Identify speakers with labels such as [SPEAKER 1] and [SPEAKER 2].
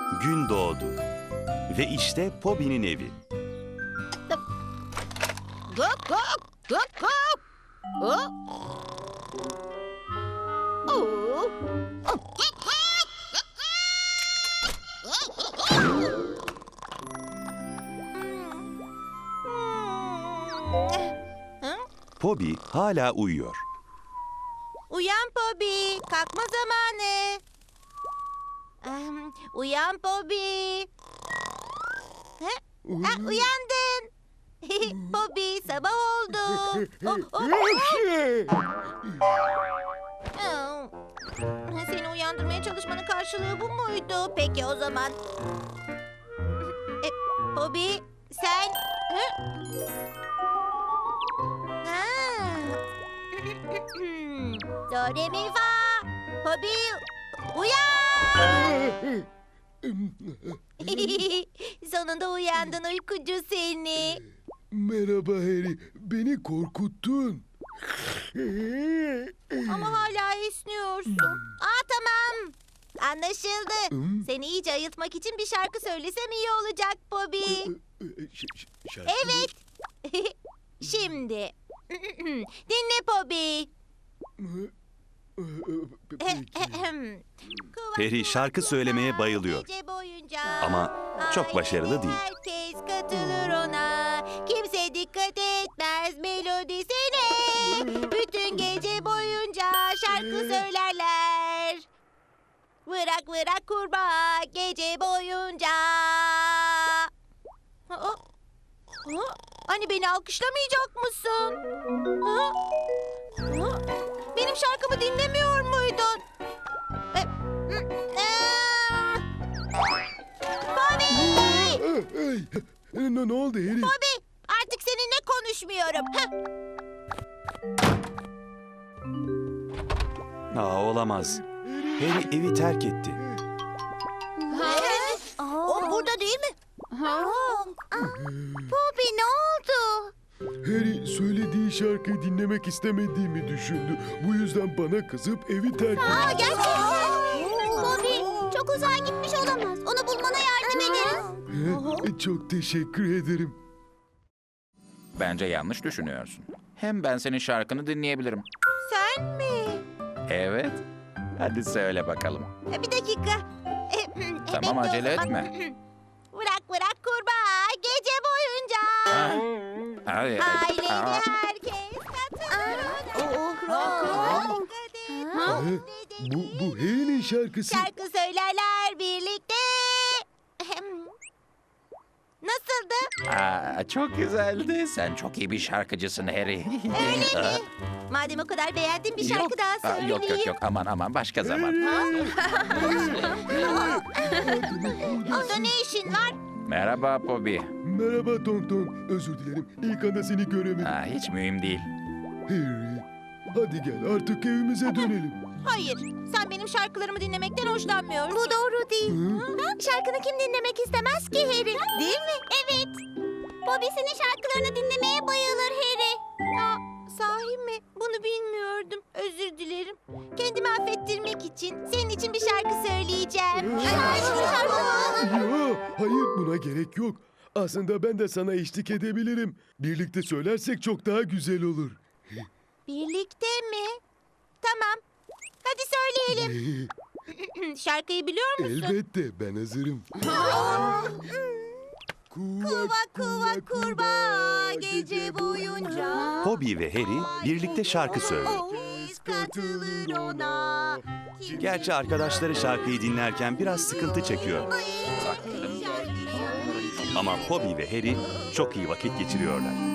[SPEAKER 1] Gün doğdu. Ve işte Pobi'nin evi.
[SPEAKER 2] Gok gok gok gok. Oh. Oh.
[SPEAKER 1] Pobi hala uyuyor.
[SPEAKER 2] Uyan Pobi, kalkma zamanı. Uyan Pobi. Uyandın. Pobi, sabah oldu. Seni uyandırmaya çalışmanın karşılığı bu muydu? Peki o zaman. Pobi, sen... Do, re, mi, fa. Pobi, uyan! Sonunda uyandın uykucu seni.
[SPEAKER 3] Merhaba Harry, beni korkuttun.
[SPEAKER 2] Ama hala esniyorsun. Tamam. Anlaşıldı. Seni iyice ayıltmak için bir şarkı söylesem iyi olacak Bobby. Evet. Şimdi. Dinle Bobby.
[SPEAKER 1] Harry şarkı söylemeye bayılıyor.
[SPEAKER 2] Gece boyunca
[SPEAKER 1] Ama çok başarılı değil.
[SPEAKER 2] herkes katılır ona. Kimse dikkat etmez melodisine. Bütün gece boyunca şarkı söylerler. Vırak vırak kurbağa gece boyunca. Hani beni alkışlamayacak mısın? Benim şarkımı dinlemiyor muydun? Bobby!
[SPEAKER 3] Ne oldu Harry?
[SPEAKER 2] Bobby, artık seninle konuşmuyorum.
[SPEAKER 1] Olamaz. Harry evi terk etti.
[SPEAKER 2] O burada değil mi? Bobby ne oldu?
[SPEAKER 3] Harry söylediği şarkıyı dinlemek istemediğimi düşündü. Bu yüzden bana kızıp evi terk etti.
[SPEAKER 2] Gerçekten. Bobby çok uzağa gitmiş olamaz. Onu bulmana yardım ederiz.
[SPEAKER 3] Çok teşekkür ederim.
[SPEAKER 4] Bence yanlış düşünüyorsun. Hem ben senin şarkını dinleyebilirim.
[SPEAKER 2] Sen mi?
[SPEAKER 4] Evet. Hadi söyle bakalım.
[SPEAKER 2] Bir dakika.
[SPEAKER 4] Tamam,
[SPEAKER 2] Bekle o
[SPEAKER 4] acele
[SPEAKER 2] zaman.
[SPEAKER 4] etme.
[SPEAKER 2] Bırak bırak kurbağa gece boyunca.
[SPEAKER 4] Hadi.
[SPEAKER 2] Aileli herkes katılır ona. Dikkat et.
[SPEAKER 3] Bu Harry'nin şarkısı.
[SPEAKER 2] Şarkı söylerler birlikte. Nasıldı?
[SPEAKER 4] Çok güzeldi. Sen çok iyi bir şarkıcısın Harry.
[SPEAKER 2] Öyle mi? Madem o kadar beğendin bir şarkı daha söyleyeyim.
[SPEAKER 4] Yok. Aman başka zaman.
[SPEAKER 2] Orada ne işin var?
[SPEAKER 4] Merhaba Bobby.
[SPEAKER 3] Merhaba Tong Tong. Özür dilerim. İlk anda seni göremedim.
[SPEAKER 4] Hiç mühim değil.
[SPEAKER 3] Harry, hadi gel artık evimize dönelim.
[SPEAKER 2] Hayır, sen benim şarkılarımı dinlemekten hoşlanmıyorsun. Bu doğru değil. Şarkını kim dinlemek istemez ki Harry? Değil mi? Evet. Bobby senin şarkılarını dinlemeye bayılır Harry. Sahi mi? Bunu bilmiyordum. Özür dilerim. Kendimi affettirmek için senin için bir şarkı söyleyeceğim.
[SPEAKER 3] Yo, hayır buna gerek yok. Aslında ben de sana eşlik edebilirim. Birlikte söylersek çok daha güzel olur.
[SPEAKER 2] Birlikte mi? Tamam. Hadi söyleyelim. Şarkıyı biliyor musun?
[SPEAKER 3] Elbette ben hazırım.
[SPEAKER 2] Kuva kuva kurbağa gece boyunca.
[SPEAKER 1] Pobi ve Harry birlikte şarkı söylüyor.
[SPEAKER 2] Herkes katılır ona.
[SPEAKER 1] Gerçi arkadaşları şarkıyı dinlerken biraz sıkıntı çekiyor. Ama Pobi ve Harry çok iyi vakit geçiriyorlar.